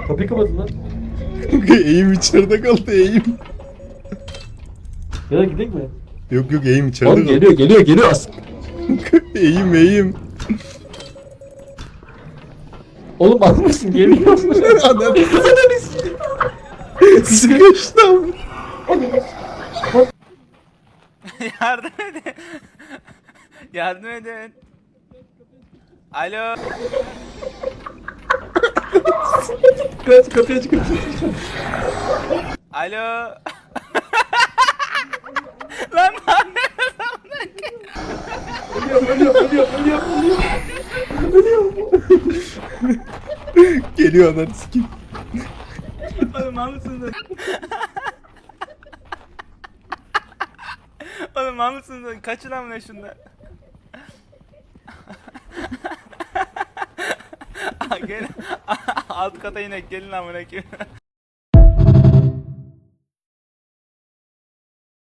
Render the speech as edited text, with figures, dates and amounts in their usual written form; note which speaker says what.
Speaker 1: Kapıyı kapatın lan.
Speaker 2: Eğim içeride kaldı eğim.
Speaker 1: Ya da gidelim mi?
Speaker 2: Yok yok eğim içeride
Speaker 1: Oğlum
Speaker 2: kaldı.
Speaker 1: geliyor as.
Speaker 2: Eğim.
Speaker 1: Oğlum almışsın geliyor.
Speaker 2: Ananı sıkıştım.
Speaker 3: Yardım edin. Yardım edin. Alo.
Speaker 1: Kaç kapıyı aç
Speaker 3: Alo. Lan
Speaker 1: ölüyor.
Speaker 2: Geliyor ananı sikeyim.
Speaker 3: oğlum mal mısınız? Oğlum mal mısınız? Kaçın amına şundan. Gel alt kata inek gelin amına koyayım.